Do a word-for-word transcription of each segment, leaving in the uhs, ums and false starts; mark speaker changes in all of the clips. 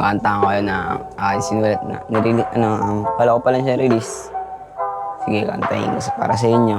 Speaker 1: Kanta ko kayo na uh, sinulat na. Nirili, ano, um, kala ko pa lang siya release. Sige, kantahin ko sa- para sa inyo.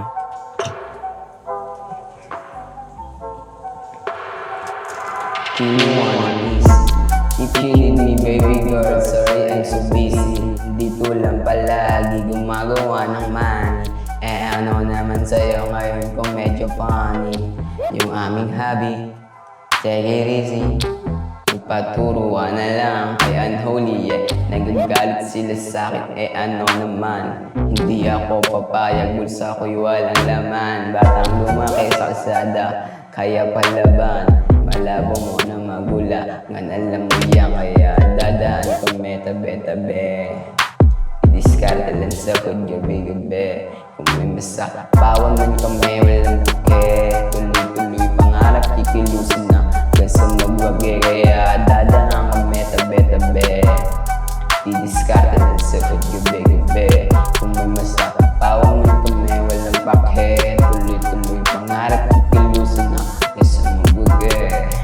Speaker 1: Do you wanna miss? Keep killing me, baby girl. Sorry, I'm so busy. Dito lang palagi gumagawa ng money. Eh ano naman sa'yo ngayon kung medyo funny yung aming hobby. Take it easy. Ipaturuan na lang kay unholy, yeah. Nagagalit sila sa'kin, eh ano naman. Hindi ako papayag, bulsa ko'y walang laman. Batang lumaki sa kalsada, kaya palaban. Malabo mo na magula, ngan alam mo yan. Kaya dadaan ko may tabi-tabi. Diskarte lang sa kudyabi-gabi. Kung may masa, bawang man kami, walang buke. Tuloy-tuloy pangarap, kikilusin na sa magwagi, kaya dadaan kami tabi-tabi. Didiskarte lang sa kudyabi-gabi. Kung may masa, bawang man kami, walang bakit. Tuloy-tuloy pangarap, kikilusin na sa magwagi.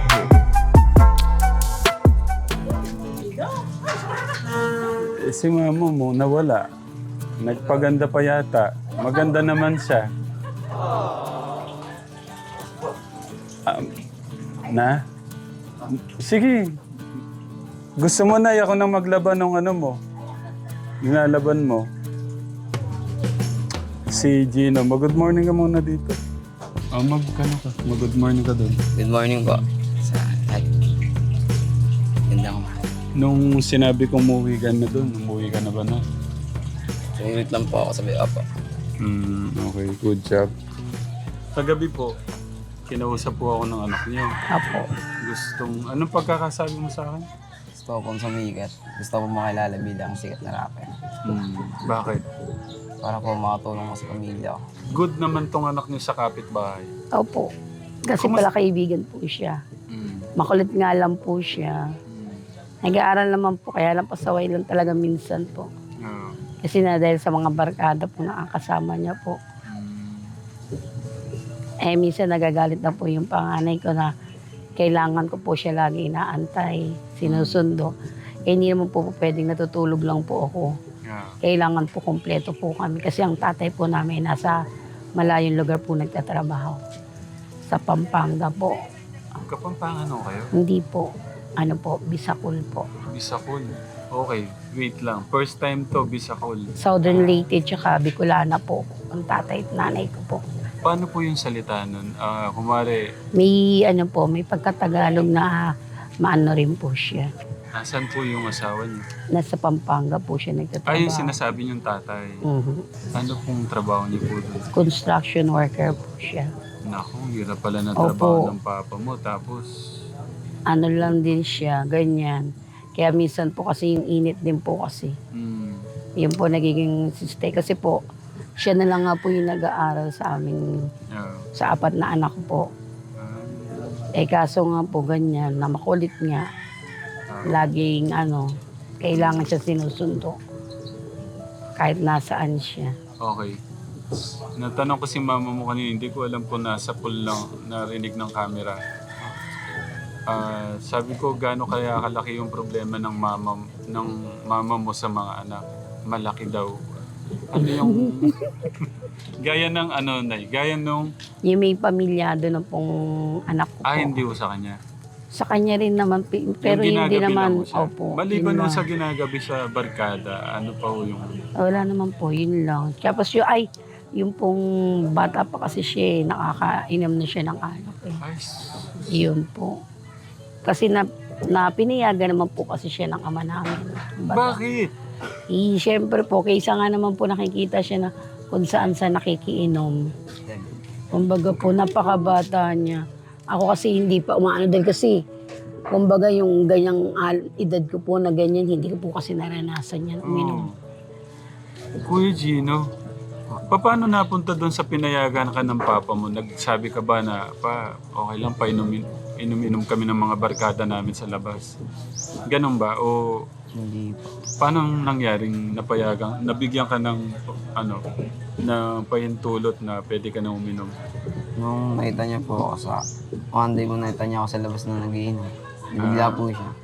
Speaker 2: Eh, si mama mo nawala. Nagpaganda pa yata. Maganda naman siya. Um, na? Sige. Gusto mo na ako nang maglaban ng ano mo? Nilalaban mo. Si Gino. Mag-good morning ka muna dito. Oh, mag, ano ka? Mag-good morning ka doon.
Speaker 1: Good morning po sa lahat. Ganda ko.
Speaker 2: Nung sinabi kong umuwi ka na doon, umuwi ka na ba na?
Speaker 1: Tumimit lang po ako sa biya po.
Speaker 2: Hmm, okay. Good job. Kagabi po, kinausap po ako ng anak niyo.
Speaker 1: Apo.
Speaker 2: Gustong, anong pagkakasabi mo sa akin?
Speaker 1: Gusto ko pong sumikat. Gusto ko makilala bilang sikat na rapper.
Speaker 2: Hmm, bakit?
Speaker 1: Para po makatulong ko sa pamilya ko.
Speaker 2: Good naman tong anak niyo sa kapitbahay.
Speaker 3: Opo. Kasi
Speaker 2: Kumus-
Speaker 3: pala kaibigan po siya.
Speaker 2: Hmm.
Speaker 3: Makulit nga lang po siya. Nag-aaral naman po, kaya lang pasaway lang talaga minsan po.
Speaker 2: Ah.
Speaker 3: Kasi na dahil sa mga barkada po nakakasama niya po.
Speaker 2: Hmm.
Speaker 3: Eh minsan nagagalit na po yung panganay ko na kailangan ko po siya lagi inaantay, sinusundo. Eh hindi naman po, po pwedeng natutulog lang po ako.
Speaker 2: Yeah.
Speaker 3: Kailangan po kompleto po kami. Kasi ang tatay po namin nasa malayong lugar po nagtatrabaho. Sa Pampanga po.
Speaker 2: Kapampangan ano kayo?
Speaker 3: Hindi po. Ano po, Bisacol po.
Speaker 2: Bisacol. Okay, wait lang. First time to, Bisacol.
Speaker 3: Southern Leyte tsaka Bicolana po. Ang tatay at nanay ko po.
Speaker 2: Paano po yung salita nun? Ah, kumare,
Speaker 3: May ano po, may pagkatagalog na maano rin po siya.
Speaker 2: nasan po yung asawa niyo?
Speaker 3: Nasa Pampanga po siya nagtatrabaho.
Speaker 2: Ay, yung sinasabi niyong tatay.
Speaker 3: Mhm.
Speaker 2: Ano pong trabaho niyo po doon?
Speaker 3: Construction worker po siya.
Speaker 2: Naku, hirap pala na
Speaker 3: Opo.
Speaker 2: trabaho ng papa mo. Tapos,
Speaker 3: Ano lang din siya, ganyan. Kaya minsan po kasi yung init din po kasi.
Speaker 2: hmm,
Speaker 3: Yun po nagiging stay. Kasi po, siya na lang nga po yung nag-aaral sa amin,
Speaker 2: yeah.
Speaker 3: sa apat na anak ko po.
Speaker 2: Ah,
Speaker 3: Eh kaso nga po ganyan, na makulit nga. Laging ano, kailangan siya sinusundo. Kahit nasaan siya.
Speaker 2: okay. Natanong ko si mama mo kanina, hindi ko alam kung nasa pool lang narinig ng camera. Ah, sabi ko, gaano kaya kalaki yung problema ng mama, ng mama mo sa mga anak? Malaki daw. Ano yung... gaya ng ano, Nay? Gaya nung...
Speaker 3: Yung may pamilyado na pong anak ko
Speaker 2: Ah,
Speaker 3: po.
Speaker 2: hindi ko sa kanya.
Speaker 3: Sa kanya rin naman, pi- pero
Speaker 2: Yung
Speaker 3: hindi
Speaker 2: ginagabi lang
Speaker 3: naman,
Speaker 2: mo siya.
Speaker 3: opo.
Speaker 2: Maliban
Speaker 3: yun
Speaker 2: nun
Speaker 3: lang.
Speaker 2: sa ginagabi sa barkada, ano pa ho yung...
Speaker 3: Wala naman po, yun lang. Tapos yung, ay, yung pong bata pa kasi siya, eh, nakakainom na siya ng alak eh.
Speaker 2: Ay,
Speaker 3: Yun po. Kasi na, na pinayagan naman po kasi siya ng ama namin. Bata.
Speaker 2: bakit?
Speaker 3: Eh, siyempre po, kaysa nga naman po nakikita siya na kung saan sa nakikiinom. Kumbaga po, napakabata niya. Ako kasi hindi pa umaano dahil kasi, kumbaga yung ganyang al- edad ko po na ganyan, hindi ko po kasi naranasan yan uminom.
Speaker 2: Oh. Kuya Gino, paano napunta doon sa pinayagan ka ng papa mo? Nagsabi ka ba na, pa, okay lang, painumin, inom-inom kami ng mga barkada namin sa labas? Ganun ba? O
Speaker 1: Hindi po.
Speaker 2: paano nangyaring napayagan, nabigyan ka ng, ano, na pahintulot na pwede ka na uminom?
Speaker 1: Nung nakita niya po ako sa... One day po nakita niya ako sa labas na nagiinom. Bigla po siya.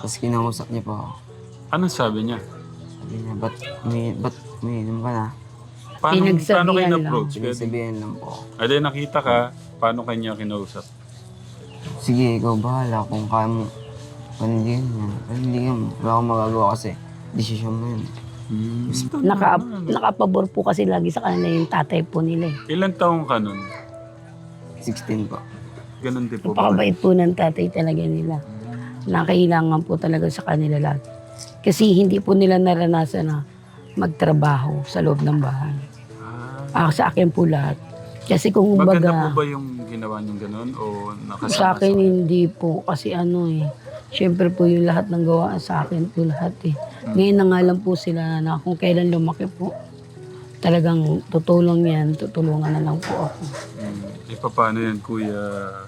Speaker 1: Tapos kinausap niya po ako.
Speaker 2: Anong sabi niya?
Speaker 1: Sabi niya, ba't umi, ba't umiinom ka na?
Speaker 2: Paano,
Speaker 3: Pinagsabihan
Speaker 2: paano kayo
Speaker 3: lang.
Speaker 2: na-approach?
Speaker 1: Sinasabihan lang po.
Speaker 2: Ade, nakita ka, paano kanya kinausap?
Speaker 1: Sige, ikaw bahala kung kaya mo panindigan mo. Panindigan mo. Wala akong magagawa kasi desisyon mo yun.
Speaker 2: Hmm.
Speaker 3: Naka, nakapabor po kasi lagi sa kanila yung tatay po nila eh.
Speaker 2: Ilan taong ka nun?
Speaker 1: sixteen po.
Speaker 2: Ganun din po ba?
Speaker 3: Napakabait po ng tatay talaga nila. Nakailangan po talaga sa kanila lahat. Kasi hindi po nila naranasan na magtrabaho sa loob ng bahay.
Speaker 2: Ah,
Speaker 3: Ah, sa akin po lahat. Kasi kung
Speaker 2: maganda
Speaker 3: baga,
Speaker 2: po ba yung ginawa niyong ganun? O nakasama
Speaker 3: sa akin hindi po. Kasi ano eh, syempre po yung lahat ng gawa sa akin po lahat eh. Ngayon na nga lang po sila na kung kailan lumaki po, talagang tutulong yan, tutulungan na lang po ako.
Speaker 2: Hmm. E paano yan, Kuya...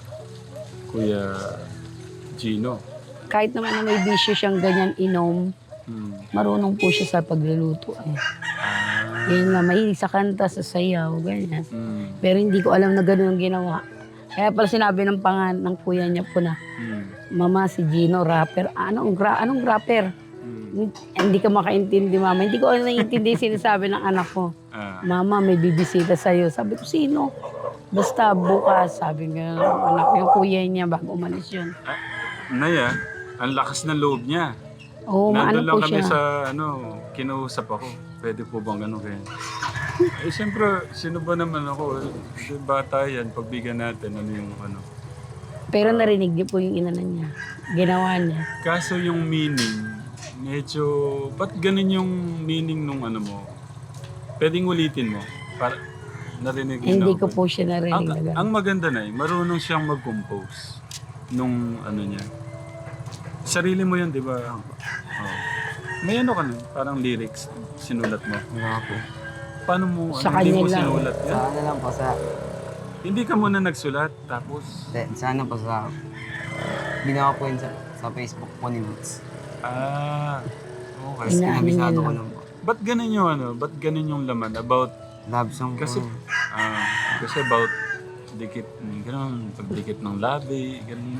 Speaker 2: Kuya Gino?
Speaker 3: Kahit naman na may bisyo siyang ganyan inom,
Speaker 2: Hmm.
Speaker 3: marunong po siya sa pagluluto eh.
Speaker 2: Ah.
Speaker 3: Yan na, mahilig sa kanta, sa sayaw, ganyan.
Speaker 2: Hmm.
Speaker 3: Pero hindi ko alam na gano'n ang ginawa. Kaya pala sinabi ng pangan ng kuya niya po na,
Speaker 2: Hmm.
Speaker 3: Mama, si Gino, rapper. Anong, gra anong rapper?
Speaker 2: Hmm.
Speaker 3: Hindi ka makaintindi, Mama. Hindi ko alam naiintindi yung sinasabi ng anak ko.
Speaker 2: Ah.
Speaker 3: Mama, may bibisita sa'yo. Sabi ko, sino? Basta bukas, sabi nga ng anak yung kuya niya bago umalis yun.
Speaker 2: Ah, Naya, ang lakas ng loob niya.
Speaker 3: Oo, maano
Speaker 2: Nandun lang
Speaker 3: po
Speaker 2: kami
Speaker 3: siya.
Speaker 2: sa, ano, kinausap ako. Pwede po bang gano'n kaya? Eh, siyempre, sino ba naman ako? Eh, bata yan, pagbigyan natin, ano yung, ano.
Speaker 3: Pero narinig niyo po yung inana niya. Ginawa niya.
Speaker 2: Kaso yung meaning, medyo, ba't ganun yung meaning nung ano mo? Pwedeng ulitin mo? Para, narinig mo
Speaker 3: Hindi
Speaker 2: na
Speaker 3: ko
Speaker 2: ako.
Speaker 3: po siya narinig
Speaker 2: Ang,
Speaker 3: na gano'n.
Speaker 2: ang maganda na eh, marunong siyang mag-compose nung ano niya. Sarili mo yun, di ba? Oh. May ano ka nun, parang lyrics, sinulat mo.
Speaker 1: Wala po.
Speaker 2: Paano mo,
Speaker 3: Sa
Speaker 2: ano, hindi
Speaker 3: kanya
Speaker 2: mo
Speaker 3: lang.
Speaker 2: sinulat yan?
Speaker 1: Sa ano lang po sa...
Speaker 2: Hindi ka muna nagsulat, tapos,
Speaker 1: Sa, sa ano po sa... Ginawa po yun sa, sa Facebook po ni Moods.
Speaker 2: ah, okay.
Speaker 1: Tapos
Speaker 3: Ina-
Speaker 1: kinabisado
Speaker 3: ano
Speaker 1: ko
Speaker 3: yun
Speaker 1: lang po.
Speaker 2: Ba't ganun yung ano, ba't ganun yung laman about,
Speaker 1: Love song po.
Speaker 2: kasi,
Speaker 1: yun.
Speaker 2: ah, kasi about dikit, ganun, pagdikit ng labi, ganun.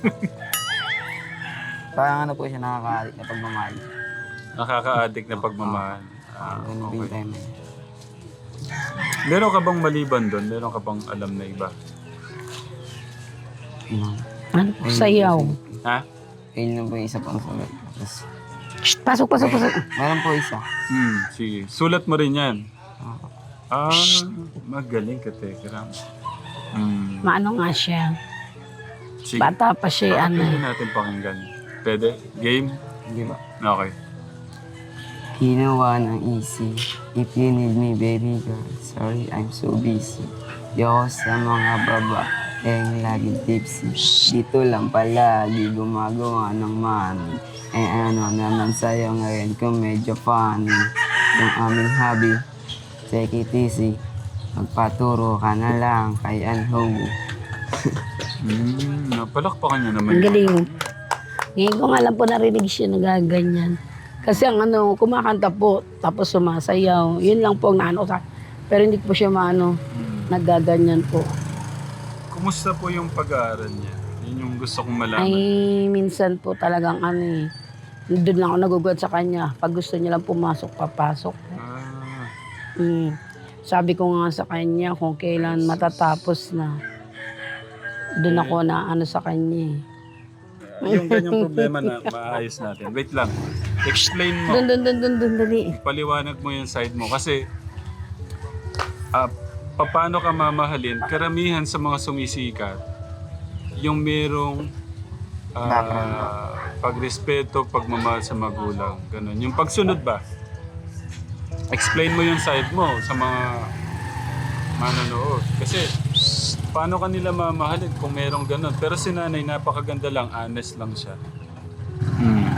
Speaker 1: Parang ano po siya nakaka-addict na pagmamahal.
Speaker 2: Nakaka-addict na pagmamahal. Ah,
Speaker 1: Ganun po yung
Speaker 2: okay.
Speaker 1: time na yun.
Speaker 2: Meron ka bang maliban doon? Meron ka bang alam na iba?
Speaker 1: Yun lang.
Speaker 3: Ano po, sayaw.
Speaker 2: Ha?
Speaker 1: Ayun lang po yung isa pang sulat. Tapos,
Speaker 3: Shh, pasok, pasok, pasok.
Speaker 1: meron po isa.
Speaker 2: Hmm, sige. Sulat mo rin yan.
Speaker 1: Ah,
Speaker 2: Ah, magaling ka, Tekram. Hmm.
Speaker 3: Maano nga siya.
Speaker 2: Sige.
Speaker 3: Bata pa siya, ano.
Speaker 2: Pwede natin pakinggan. Pwede? Game?
Speaker 1: Di ba?
Speaker 2: Okay.
Speaker 1: Ginawa ng easy. If you need me, baby girl. Sorry, I'm so busy. Yo sa mga baba. Eh, laging tipsy. Dito lang palagi gumagawa ng money. Eh, ano naman sa'yo ngayon kung medyo funny. Yung aming hobby. Take it easy. Magpaturo ka na lang kay Anhong.
Speaker 2: Hmm, napalakpakan niya naman.
Speaker 3: Ang galing. Ngayon ko nga lang po narinig siya nagaganyan. Kasi ang ano, kumakanta po, tapos sumasayaw. Yun lang po ang naano sa pero hindi po siya maano,
Speaker 2: Hmm.
Speaker 3: nagaganyan po.
Speaker 2: Kumusta po yung pag-aaral niya? Yun yung gusto kong malaman.
Speaker 3: Ay, minsan po talagang ano eh, doon lang ako nagugod sa kanya. Pag gusto niya lang pumasok, papasok.
Speaker 2: Ah,
Speaker 3: Mm. Sabi ko nga sa kanya kung kailan matatapos na. Doon ako na ano sa kanya eh.
Speaker 2: yung ganyang problema na maayos natin. Wait lang. Explain mo.
Speaker 3: Doon, doon, doon, doon, doon, dali.
Speaker 2: Paliwanag mo yung side mo. Kasi, ah, paano ka mamahalin? Karamihan sa mga sumisikat, yung merong ah, pagrespeto, pagmamahal sa magulang. Ganun. Yung pagsunod ba? Explain mo yung side mo sa mga manonood. Kasi, paano ka nila mamahalin kung merong ganun? Pero si nanay, napakaganda lang, honest lang siya. Hmm.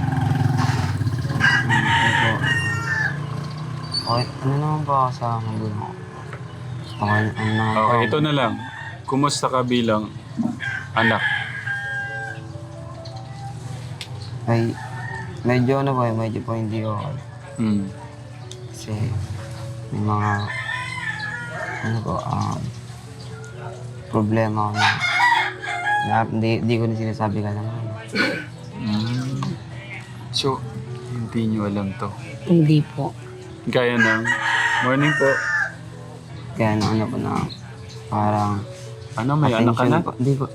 Speaker 1: Ito. Okay, ano naman ba ako sa magulang ko? Okay, ano naman po
Speaker 2: Okay,
Speaker 1: ako?
Speaker 2: ito na lang. Kumusta ka bilang anak?
Speaker 1: Ay, medyo ano po, eh, medyo po hindi okay.
Speaker 2: Hmm.
Speaker 1: Kasi may mga ano po, um, problema ako na, na hindi, hindi ko na sinasabi ka naman.
Speaker 2: Hmm. So, hindi nyo alam to.
Speaker 3: Hindi po.
Speaker 2: Gaya ng, morning po.
Speaker 1: Kaya ano, ano po na, parang
Speaker 2: Ano, may anak ka na?
Speaker 1: po. Hindi po.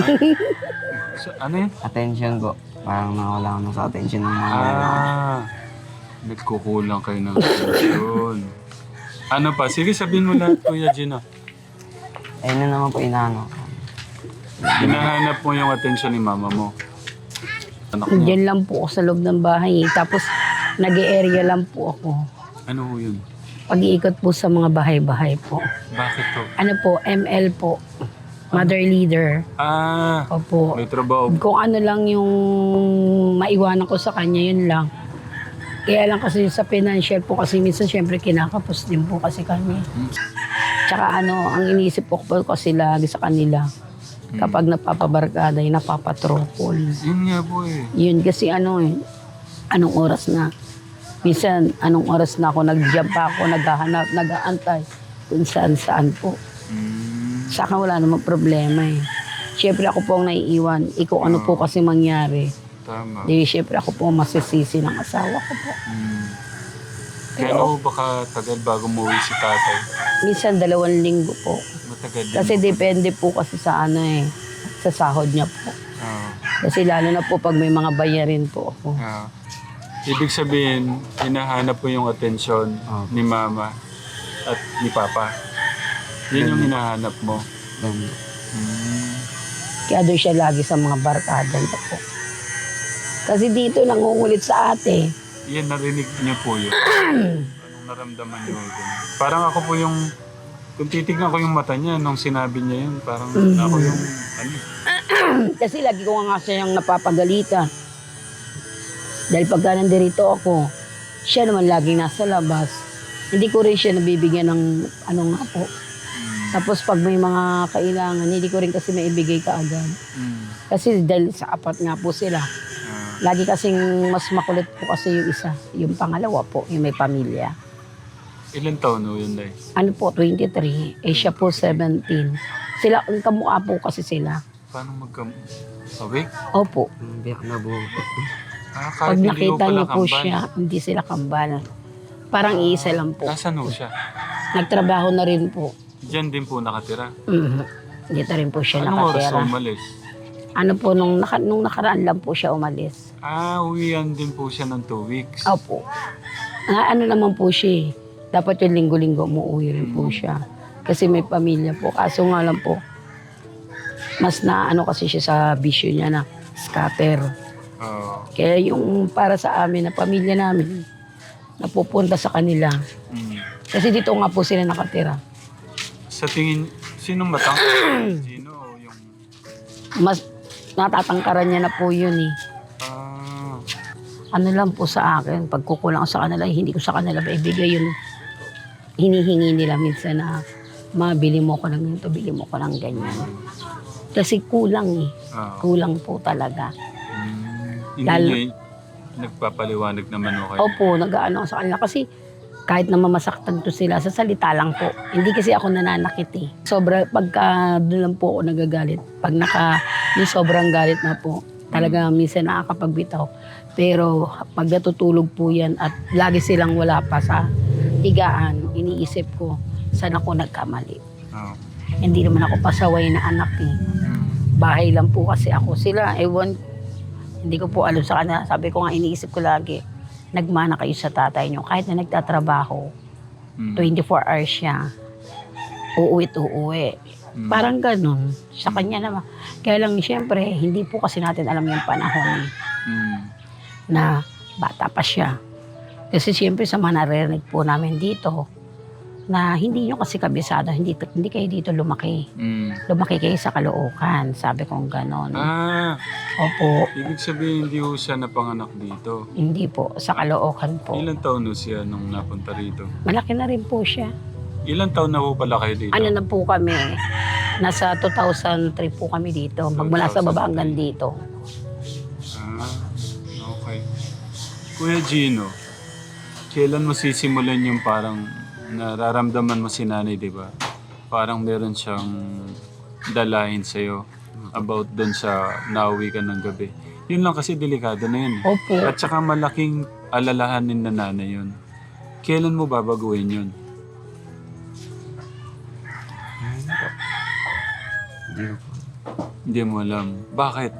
Speaker 2: So, ano yun?
Speaker 1: Attention po. Parang nawala ako na sa attention ng mga
Speaker 2: Ah, nagkukulang kayo ng attention. Ano pa? Sige, sabihin mo lahat, Kuya Gino.
Speaker 1: Ayun na naman po inaano.
Speaker 2: Hinahanap mo yung attention ni mama mo. Anak mo.
Speaker 3: Diyan lang po ako sa loob ng bahay. Tapos, nag-area lang po ako.
Speaker 2: Ano ho yun?
Speaker 3: Pag-iikot po sa mga bahay-bahay po.
Speaker 2: Bakit to?
Speaker 3: Ano po, M L po. Mother leader.
Speaker 2: Ah,
Speaker 3: Opo.
Speaker 2: may trabaho.
Speaker 3: Kung ano lang yung maiwanan ko sa kanya, yun lang. Kaya lang kasi sa financial po kasi minsan syempre kinakapos din po kasi kami. Tsaka ano, ang iniisip ko po kasi lagi sa kanila. Kapag napapabarkada, yung napapatropol.
Speaker 2: Yun nga po eh.
Speaker 3: Yun kasi ano eh, anong oras na. Minsan, anong oras na ako, nag-jump pa ako, naghahanap, nag-aantay kung saan-saan po.
Speaker 2: Mm,
Speaker 3: Sa akin wala namang problema eh. Siyempre ako po ang naiiwan. Ikaw ano po kasi mangyari.
Speaker 2: tama.
Speaker 3: Di siyempre ako po ang masisisi ng asawa ko po.
Speaker 2: Mm. Kaya ano baka tagal bago umuwi si tatay?
Speaker 3: Minsan dalawang linggo po.
Speaker 2: Matagal din.
Speaker 3: Kasi depende po kasi sa ano eh, sa sahod niya po.
Speaker 2: Ah,
Speaker 3: Kasi lalo na po pag may mga bayarin po ako.
Speaker 2: ah. Ibig sabihin, hinahanap po yung atensyon
Speaker 1: Opo.
Speaker 2: ni mama at ni papa. Yun yung hinahanap mo.
Speaker 1: Ganun.
Speaker 2: Mm.
Speaker 3: Kaya doon siya lagi sa mga barkada niya po. Kasi dito nangungulit sa ate.
Speaker 2: Yan, narinig niyo po yun. Anong naramdaman niyo dun? Parang ako po yung, kung titignan ko yung mata niya nung sinabi niya yun, parang ako yung, ano,
Speaker 3: Kasi lagi ko nga siyang napapagalitan. Dahil pagka nandirito ako, siya naman laging nasa labas. Hindi ko rin siya nabibigyan ng ano nga po. Tapos pag may mga kailangan, hindi ko rin kasi maibigay kaagad.
Speaker 2: mm,
Speaker 3: Kasi dahil sa apat nga po sila.
Speaker 2: ah,
Speaker 3: Lagi kasing mas makulit po kasi yung isa. Yung pangalawa po, yung may pamilya.
Speaker 2: ilan taon no yun, Day?
Speaker 3: Ano po, twenty-three. Eh siya po, seventeen. Sila, ang kamukha po kasi sila.
Speaker 2: Paano magka... Awake?
Speaker 3: Opo.
Speaker 1: Biyak na buo po.
Speaker 2: Ah,
Speaker 3: Pag
Speaker 2: kahit hindi
Speaker 3: nakita
Speaker 2: pala
Speaker 3: niyo po
Speaker 2: kambal.
Speaker 3: siya, hindi sila kambal. Parang iisa lang po.
Speaker 2: Nasaan ho siya?
Speaker 3: Nagtrabaho na rin po.
Speaker 2: Diyan din po nakatira.
Speaker 3: Mhm. Dito rin po siya
Speaker 2: Anong oras
Speaker 3: nakatira.
Speaker 2: umalis?
Speaker 3: Ano po, nung, naka, nung nakaraan lang po siya umalis.
Speaker 2: Ah, uwian din po siya ng two weeks.
Speaker 3: Opo. Ah, ano naman po siya eh. Dapat yung linggo-linggo umuwi rin po siya. Kasi may pamilya po. Kaso nga lang po, mas na ano kasi siya sa bisyo niya na scatter.
Speaker 2: Oo.
Speaker 3: Kaya yung para sa amin na pamilya namin, napupunta sa kanila.
Speaker 2: Mm.
Speaker 3: Kasi dito nga po sila nakatira.
Speaker 2: Sa tingin, sinong matang? Sino o yung...
Speaker 3: Mas natatangkaran niya na po yun eh.
Speaker 2: Ah,
Speaker 3: Ano lang po sa akin, pag kukulang sa kanila, hindi ko sa kanila maibigay yung hinihingi nila minsan na mabili mo ko ng ganito, bili mo ko ng ganyan. Kasi kulang eh.
Speaker 2: ah.
Speaker 3: Kulang po talaga.
Speaker 2: Mm. Hindi
Speaker 3: Lalo-
Speaker 2: niya nagpapaliwanag naman o kayo.
Speaker 3: Opo, nag-ano ako sa kanila kasi kahit na mamasaktan to sila, sa salita lang po. Hindi kasi ako nananakit eh. Sobra, pagka doon lang po ako nagagalit. Pag naka, yung sobrang galit na po, talaga minsan nakakapagbitaw. Pero pag natutulog po yan at lagi silang wala pa sa higaan, iniisip ko, saan ako nagkamali.
Speaker 2: Oh.
Speaker 3: Hindi naman ako pasaway na anak eh.
Speaker 2: Mm.
Speaker 3: Bahay lang po kasi ako. Sila, ewan, hindi ko po alam sa kanila. Sabi ko nga, iniisip ko lagi, nagmana kayo sa tatay nyo. Kahit na nagtatrabaho,
Speaker 2: Mm.
Speaker 3: twenty-four hours siya, uuwi't uuwi.
Speaker 2: Mm.
Speaker 3: Parang ganun. Sa kanya naman. Kaya lang, siyempre, hindi po kasi natin alam yung panahon
Speaker 2: Mm.
Speaker 3: na bata pa siya. Kasi siyempre, sa mga naririnig po namin dito, na hindi nyo kasi kabisado, hindi, hindi kayo dito lumaki.
Speaker 2: Mm.
Speaker 3: Lumaki kayo sa Caloocan. Sabi kong ganon.
Speaker 2: Ah,
Speaker 3: Opo.
Speaker 2: ibig sabihin hindi ho siya napanganak dito.
Speaker 3: Hindi po. Sa Caloocan po.
Speaker 2: Ilan taon ho siya nung napunta rito?
Speaker 3: Malaki na rin po siya.
Speaker 2: Ilan taon na ho pala kayo dito?
Speaker 3: Ano na po kami, nasa two thousand three po kami dito. Magmula sa baba hanggang dito.
Speaker 2: Ah, okay. Kuya Gino, kailan mo sisimulan yung parang nararamdaman mo si nanay, di ba? Parang meron siyang dalahin sa'yo about doon sa nauwi ka ng gabi. Yun lang kasi delikado na yun.
Speaker 3: Opo.
Speaker 2: At saka malaking alalahanin na nanay yun. Kailan mo babaguhin yun?
Speaker 1: Hindi ko po.
Speaker 2: Hindi mo alam. Bakit?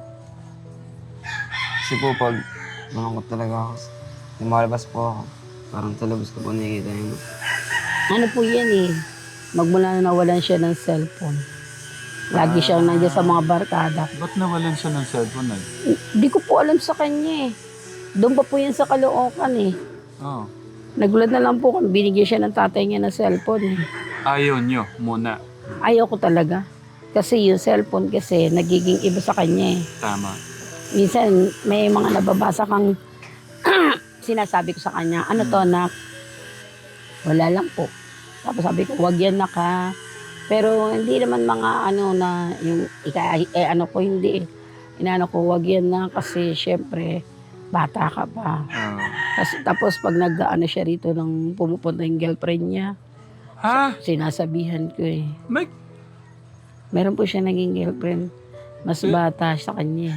Speaker 1: Kasi po pag malungkot talaga ako, lumalabas po ako. Parang talabas ko po nakikita yun.
Speaker 3: Ano po yan eh. Magmula na nawalan siya ng cellphone. Lagi siyang nandiyan sa mga barkada.
Speaker 2: Ba't nawalan siya ng cellphone eh?
Speaker 3: Hindi ko po alam sa kanya eh. Doon pa po yan sa Caloocan eh.
Speaker 2: Oh.
Speaker 3: Nagulat na lang po kung binigyan siya ng tatay niya ng cellphone eh.
Speaker 2: Ayaw nyo muna.
Speaker 3: Ayaw ko talaga. Kasi yung cellphone kasi nagiging iba sa kanya eh.
Speaker 2: Tama.
Speaker 3: Minsan may mga nababasa kang sinasabi ko sa kanya, ano to nak? Wala lang po. Tapos sabi ko, wag yan nak ha. Pero hindi naman mga ano na yung ika, eh ano ko hindi eh. Inaano ko, wag yan na kasi syempre bata ka pa.
Speaker 2: Oh.
Speaker 3: Kasi, tapos pag nag-ano siya rito nang pumupunta yung girlfriend niya,
Speaker 2: Ha?
Speaker 3: sinasabihan ko eh.
Speaker 2: May...
Speaker 3: Meron po siya naging girlfriend. Mas
Speaker 2: Eh?
Speaker 3: bata sa kanya.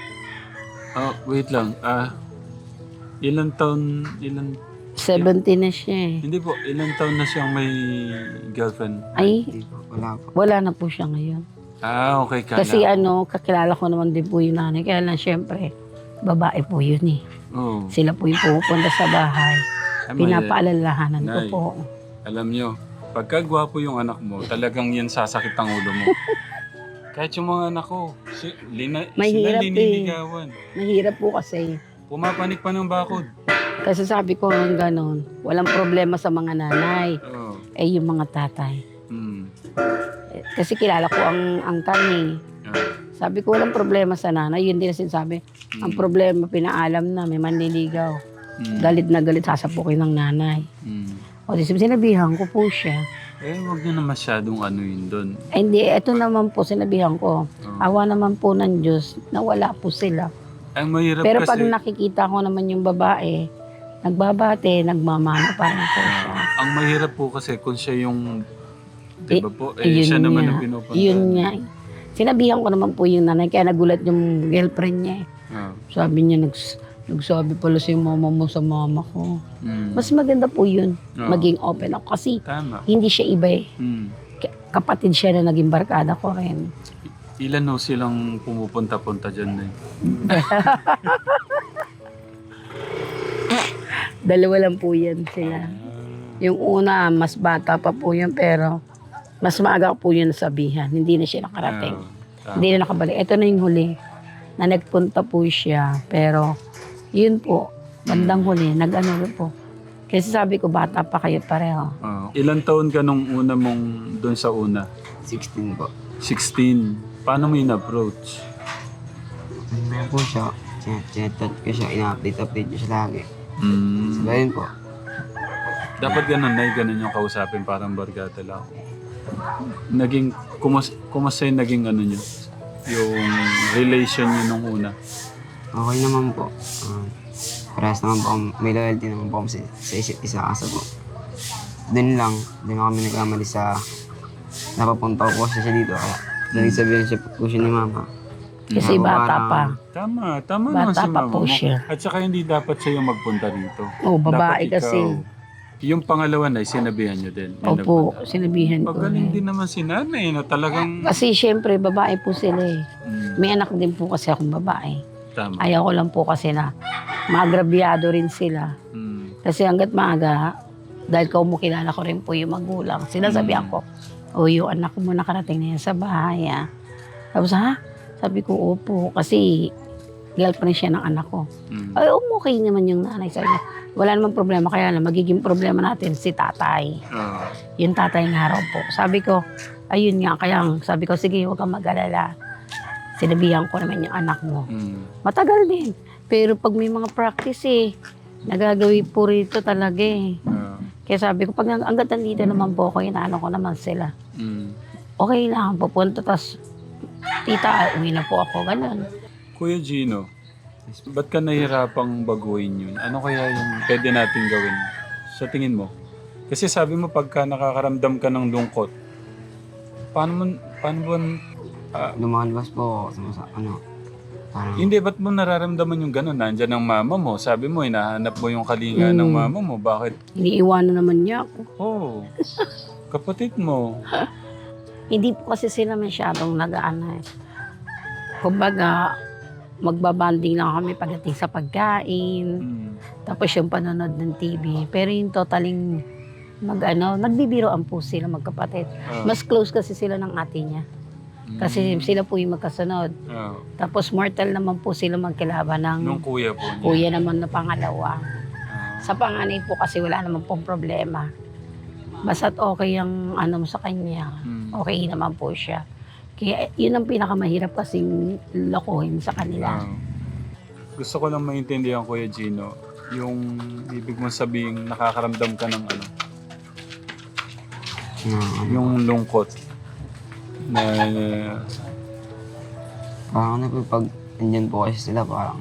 Speaker 2: Oh, wait lang. Ah, ilang taon... Ilang...
Speaker 3: seventeen na siya eh.
Speaker 2: Hindi po, ilang taon na siyang may girlfriend?
Speaker 3: Ay,
Speaker 1: Hindi po. Wala po.
Speaker 3: wala na po siya ngayon.
Speaker 2: Ah, okay. Kala.
Speaker 3: Kasi ano, kakilala ko naman din po yung nanay. Kaya lang syempre, babae po yun eh.
Speaker 2: Oh.
Speaker 3: Sila po yung pumupunta sa bahay.
Speaker 2: Ay, may-
Speaker 3: Pinapaalalahanan ko
Speaker 2: Nay.
Speaker 3: po.
Speaker 2: Alam nyo, pagka gwapo yung anak mo, talagang yan sasakit ang ulo mo. Kahit yung mga anak ko, si, lina,
Speaker 3: Mahirap
Speaker 2: sila
Speaker 3: eh.
Speaker 2: liniligawan.
Speaker 3: Mahirap po kasi.
Speaker 2: Pumapanik pa ng bakod.
Speaker 3: Kasi sabi ko ng ganon, walang problema sa mga nanay.
Speaker 2: Oh.
Speaker 3: Eh yung mga tatay.
Speaker 2: Mm.
Speaker 3: Eh, Kasi kilala ko ang angkan eh.
Speaker 2: Ah.
Speaker 3: Sabi ko walang problema sa nanay. Yun din na sinasabi. Ang problema, pinaalam na, may manliligaw.
Speaker 2: Mm.
Speaker 3: Galit na galit, sasapukin ng nanay.
Speaker 2: Mm.
Speaker 3: O di sinabihan ko po siya.
Speaker 2: Eh, huwag nyo na masyadong ano yun doon.
Speaker 3: Eh, hindi, eto naman po, sinabihan ko.
Speaker 2: Oh.
Speaker 3: Awa naman po ng Diyos na wala po sila.
Speaker 2: Ang mahirap
Speaker 3: Pero
Speaker 2: kasi...
Speaker 3: pag nakikita ko naman yung babae, nagbabate, nagmamano pa rin po siya.
Speaker 2: Ang mahirap po kasi kung siya yung... Di ba po? Eh,
Speaker 3: yun
Speaker 2: siya naman
Speaker 3: nga.
Speaker 2: ang pinupunta.
Speaker 3: Yun nga. eh. Sinabihan ko naman po yung nanay, kaya nagulat yung girlfriend niya. eh.
Speaker 2: Ah.
Speaker 3: Sabi niya, nags, nagsabi pala si mama mo sa mama ko.
Speaker 2: Mm.
Speaker 3: Mas maganda po yun,
Speaker 2: Oo.
Speaker 3: maging open ako. Kasi
Speaker 2: Tama.
Speaker 3: hindi siya iba eh.
Speaker 2: Mm.
Speaker 3: Ka- Kapatid siya na naging barkada ko rin.
Speaker 2: Ilan no silang pumupunta-punta dyan eh?
Speaker 3: Dalawa lang po yan sila. Yung una, mas bata pa po yun, pero mas maaga po yun nasabihan. Hindi na siya nakarating.
Speaker 2: Ah,
Speaker 3: Hindi na nakabalik. Ito na yung huli na nagpunta po siya. Pero, yun po, bandang huli, nag-ano rin po. Kasi sabi ko, bata pa kayo pareho.
Speaker 2: ah. Ilan taon ka nung una mong doon sa una?
Speaker 1: sixteen po.
Speaker 2: sixteen. Paano mo in-approach?
Speaker 1: Ano po siya? Chat-chat ko siya. Ina-update-update ko siya lagi.
Speaker 2: Mm.
Speaker 1: Sabi yun po.
Speaker 2: Dapat ganun na ganun yung kausapin, parang barkada lang. Naging, kumas, kumusta yung naging ano nyo? Yung relation nyo nung una?
Speaker 1: Okay naman po. Uh, parehas naman po. akong- May loyalty naman po kami sa, sa isa't isa. Kaso po, dun lang. Dun lang kami nagkamali sa napapunta ko po siya dito. Kaya nagsabihan siya po siya ni mama.
Speaker 3: Kasi
Speaker 1: Ako
Speaker 3: bata
Speaker 1: parang-
Speaker 3: pa.
Speaker 2: Tama, tama
Speaker 3: Bata
Speaker 2: naman si
Speaker 3: pa
Speaker 2: mama
Speaker 3: po
Speaker 2: mo.
Speaker 3: siya.
Speaker 2: At saka hindi dapat siya yung magpunta dito.
Speaker 3: Oh, babae
Speaker 2: Dapat
Speaker 3: kasi.
Speaker 2: ikaw. Yung pangalawa na, sinabihan nyo din. Yung
Speaker 3: Opo,
Speaker 2: nagpunta.
Speaker 3: sinabihan ko.
Speaker 2: Pagaling
Speaker 3: eh.
Speaker 2: din naman si nanay na talagang...
Speaker 3: Kasi syempre, babae po sila eh.
Speaker 2: Mm,
Speaker 3: May anak din po kasi akong babae.
Speaker 2: tama.
Speaker 3: Ayaw ko lang po kasi na maagrabyado rin sila.
Speaker 2: Mm,
Speaker 3: Kasi hanggat maaga, dahil kumukilala ko rin po yung magulang, sinasabihan
Speaker 2: Mm.
Speaker 3: ko, o yung anak mo nakarating na yan sa bahay ah. Tapos ha? Sabi ko, opo, kasi girlfriend siya ng anak ko.
Speaker 2: mm.
Speaker 3: Ay, okay naman yung nanay. Sabi niya, wala namang problema, kaya lang magiging problema natin si tatay.
Speaker 2: Ah,
Speaker 3: Yung tatay nga raw po. Sabi ko, ayun nga, kaya sabi ko, sige, huwag kang mag-alala. Sinabihan ko naman yung anak mo.
Speaker 2: mm,
Speaker 3: Matagal din. Pero pag may mga practice eh, nagagawi po rito talaga eh.
Speaker 2: ah,
Speaker 3: Kaya sabi ko, pag nang- hanggat nandito naman po ako, inaano ko naman sila.
Speaker 2: mm.
Speaker 3: Okay lang, pupunta, tas tita, uwi na po ako, ganun.
Speaker 2: Kuya Gino, ba't ka nahihirapang baguhin yun? Ano kaya yung pwede natin gawin sa tingin mo? Kasi sabi mo pagka nakakaramdam ka ng lungkot, paano mo, paano mo, ah,
Speaker 1: Lumalabas po ako sa, sa ano. Parang,
Speaker 2: Hindi, ba't mo nararamdaman yung gano'n? Nandyan ang mama mo. Sabi mo, hinahanap mo yung kalinga ng mama mo. Bakit?
Speaker 3: Iniiwanan naman niya ako.
Speaker 2: Oh, kapatid mo.
Speaker 3: Hindi po kasi sila masyadong nag-ano eh. Kumbaga, magbabanding lang kami pagdating sa pagkain.
Speaker 2: Hmm.
Speaker 3: Tapos yung panonood ng T V. Pero yung totaling mag-ano, nagbibiroan po sila magkapatid.
Speaker 2: Ah.
Speaker 3: Mas close kasi sila ng ate niya. Kasi sila po yung magkasunod.
Speaker 2: Ah.
Speaker 3: Tapos mortal naman po sila magkilaban ng
Speaker 2: Nung kuya po niya.
Speaker 3: kuya naman na pangalawa.
Speaker 2: Ah.
Speaker 3: Sa panganay po kasi wala naman pong problema. Basta't okay ang ano mo sa kanya,
Speaker 2: Hmm.
Speaker 3: okay naman po siya. Kaya yun ang pinakamahirap kasing lokohin sa kanila.
Speaker 2: Ah. Gusto ko lang maintindihan, Kuya Gino, yung ibig mong sabihin nakakaramdam ka ng ano,
Speaker 1: na, ano,
Speaker 2: yung lungkot na
Speaker 1: parang ano po, pag andyan po kasi sila, parang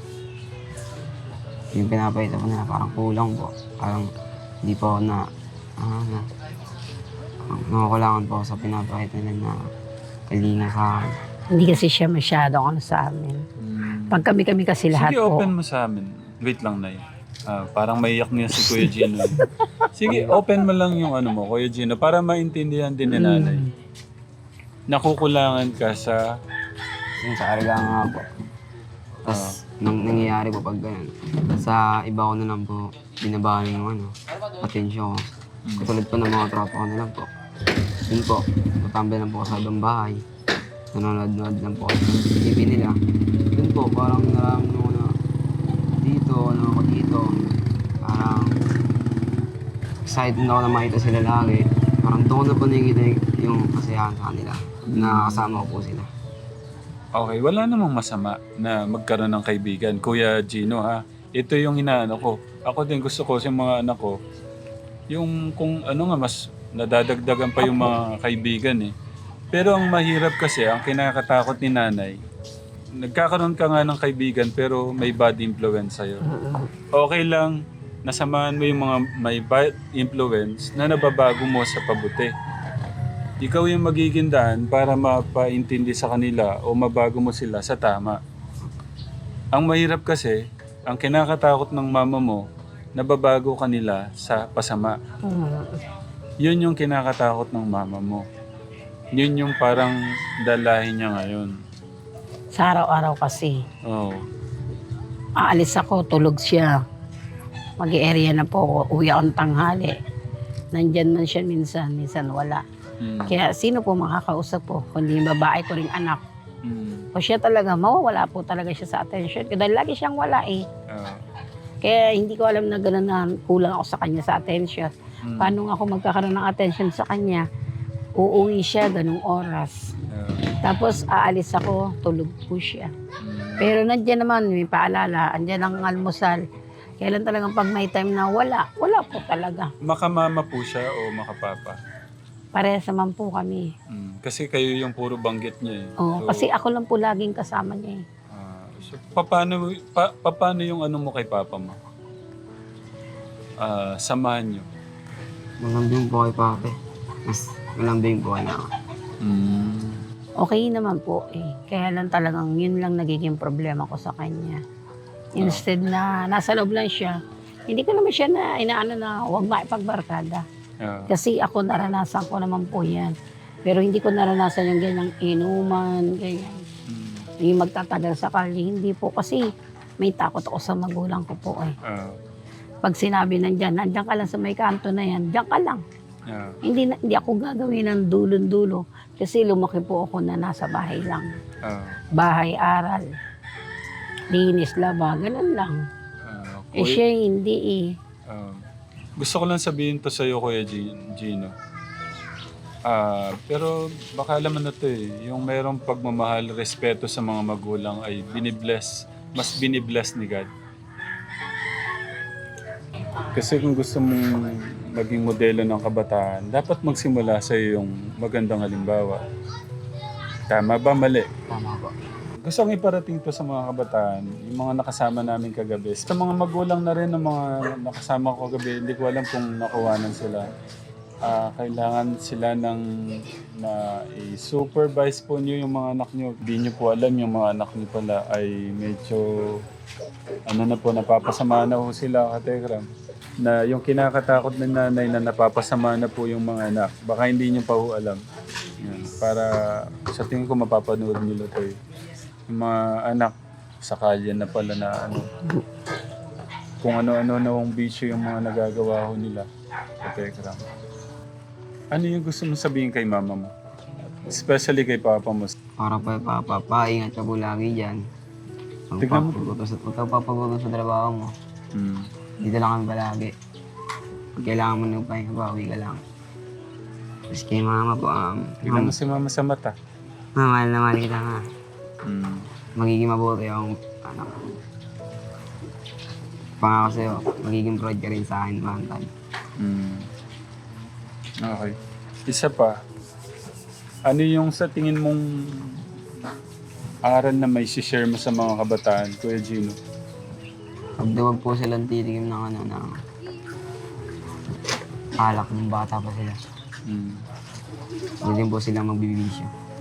Speaker 1: yung pinapahita po nila, parang kulang po. Parang hindi po ako na, ano, nakakulangan po ako sa pinapahita nila na kalinga sa akin.
Speaker 3: Hindi kasi siya masyadong ano sa amin.
Speaker 2: Hmm.
Speaker 3: Pag kami-kami kasi lahat
Speaker 2: Sige,
Speaker 3: po.
Speaker 2: open mo sa amin. Wait lang, Nay. Ah, parang maiyak niya si Kuya Gino. Sige, open mo lang yung ano mo, Kuya Gino, para maintindihan din ni Nanay.
Speaker 3: Mm.
Speaker 2: Nakukulangan ka sa...
Speaker 1: Yung sa karga nga po. Tapos, nang nangyayari po pag ganyan, sa iba ko na lang po, binabahan yung ano, atensyon ko. Katulad po ng mga tropa ko na lang po. Yun po, matambay lang po ako sa ibang bahay. Nanonood-nood lang po ako sa T V nila. Yun po, parang nararamdaman ko na dito, ano ako dito. Parang excited na ako na makita sila lagi. Parang doon ko na po nakikita yung kasiyahan sa kanila. Nakakasama ko po sila.
Speaker 2: Okay, wala namang masama na magkaroon ng kaibigan. Kuya Gino, ha? Ito yung inaano ko. Ako din gusto ko sa mga anak ko, yung kung ano nga, mas nadadagdagan pa yung mga kaibigan eh. Pero ang mahirap kasi, ang kinakatakot ni Nanay, nagkakaroon ka nga ng kaibigan pero may bad influence sa'yo. Okay lang, nasamahan mo yung mga may bad influence na nababago mo sa pabuti. Ikaw yung magiging daan para mapaintindi sa kanila o mabago mo sila sa tama. Ang mahirap kasi, ang kinakatakot ng mama mo, nababago kanila sa pasama.
Speaker 3: Mm.
Speaker 2: Yun yung kinakatakot ng mama mo. Yun yung parang dalahin niya ngayon.
Speaker 3: Sa araw-araw kasi,
Speaker 2: Oo.
Speaker 3: aalis ako, tulog siya. Mag-i-area na po ako, uwi ako ng tanghali. Nandyan man siya minsan, minsan wala.
Speaker 2: Mm.
Speaker 3: Kaya sino po makakausap po, kundi yung babae ko ring anak.
Speaker 2: Mm.
Speaker 3: O siya talaga, mawawala po talaga siya sa attention. Kaya dahil lagi siyang wala eh.
Speaker 2: Ah.
Speaker 3: Kaya hindi ko alam na gano'n na kulang ako sa kanya sa attention.
Speaker 2: Mm.
Speaker 3: Paano nga ako magkakaroon ng attention sa kanya? Uuwi siya ganung oras.
Speaker 2: Ah.
Speaker 3: Tapos aalis ako, tulog po siya.
Speaker 2: Mm.
Speaker 3: Pero nandiyan naman, may paalala, andyan ang almusal. Kailan talagang pag may time na wala, wala po talaga.
Speaker 2: Makamama po siya o makapapa?
Speaker 3: Parehas naman po kami.
Speaker 2: Mm. Kasi kayo yung puro banggit niya eh.
Speaker 3: Oh,
Speaker 2: So,
Speaker 3: kasi ako lang po laging kasama niya eh.
Speaker 2: ah, so paano, pa, paano yung ano mo kay papa mo? Ah, samahan niyo.
Speaker 1: Malambing po kay Pape. Mas malambing po kay Mama.
Speaker 2: Mm.
Speaker 3: Okay naman po eh. Kaya lang talagang yun lang nagiging problema ko sa kanya. Instead na nasa loob lang siya, hindi ko naman siya na inaano na huwag maipagbarkada.
Speaker 2: Ah.
Speaker 3: Kasi ako naranasan ko naman po yan. Pero hindi ko naranasan yung ganyang inuman, ganyan.
Speaker 2: Mm.
Speaker 3: Yung magtatagal sa kali, hindi po. Kasi may takot ako sa magulang ko po eh.
Speaker 2: Ah.
Speaker 3: Pag sinabi nandyan, nandyan ka lang sa may kanto na yan, dyan ka lang.
Speaker 2: Ah.
Speaker 3: Hindi, na- hindi ako gagawin ng dulon-dulo. Kasi lumaki po ako na nasa bahay lang.
Speaker 2: Ah.
Speaker 3: Bahay, aral. Linis, laba, ganun lang.
Speaker 2: Ah.
Speaker 3: Eh
Speaker 2: Kuya-
Speaker 3: siya hindi eh.
Speaker 2: Ah, gusto ko lang sabihin to sa'yo, Kuya Gi- Gino. Ah, pero baka alam mo na to eh, yung mayroong pagmamahal, respeto sa mga magulang ay binibless, mas binibless ni God. Kasi kung gusto mong maging modelo ng kabataan, dapat magsimula sa yung magandang halimbawa. Tama ba? Mali?
Speaker 1: Tama po.
Speaker 2: Gusto kong iparating to sa mga kabataan, yung mga nakasama namin kagabi. Sa mga magulang na rin ng mga nakasama ko kagabi, hindi ko alam kung nakuhanan sila. Ah, kailangan sila ng na i-supervise po niyo yung mga anak niyo. Hindi niyo po alam yung mga anak niyo pala ay medyo ano na po, napapasama na po sila, Katekram. Na yung kinakatakot ng nanay na napapasama na po yung mga anak. Baka hindi niyo pa po alam. Yan. Para sa tingin ko mapapanood nila to eh. Yung mga anak sa kalye na pala na ano. Kung ano-ano na yung bisyo yung mga nagagawa ho nila. Katekram. Ano yung gusto mo sabihin kay mama mo? Especially kay papa mo.
Speaker 1: Para pa papa, paingat ka po lagi dyan.
Speaker 2: Tignan mo.
Speaker 1: Magpapagutos at huwag kang papagutos sa trabaho mo.
Speaker 2: Hmm.
Speaker 1: Dito lang kami palagi. Pag kailangan mo ng pahinga, bawi ka lang. Tapos kay mama po, um,
Speaker 2: Tignan mo si mama sa mata.
Speaker 1: Ma, mahal na mahal kita nga.
Speaker 2: Hmm.
Speaker 1: Magiging mabuti akong anak. Pangako sa'yo, magiging proud ka rin sa akin, Mantan.
Speaker 2: Hmm. Okay. Isa pa. Ano yung sa tingin mong aral na may share mo sa mga kabataan, Kuya Gino?
Speaker 1: Huwag daw wag po silang titikim ng ano, ng alak ng bata pa sila.
Speaker 2: Hmm.
Speaker 1: Huwag din po silang magbibisyo.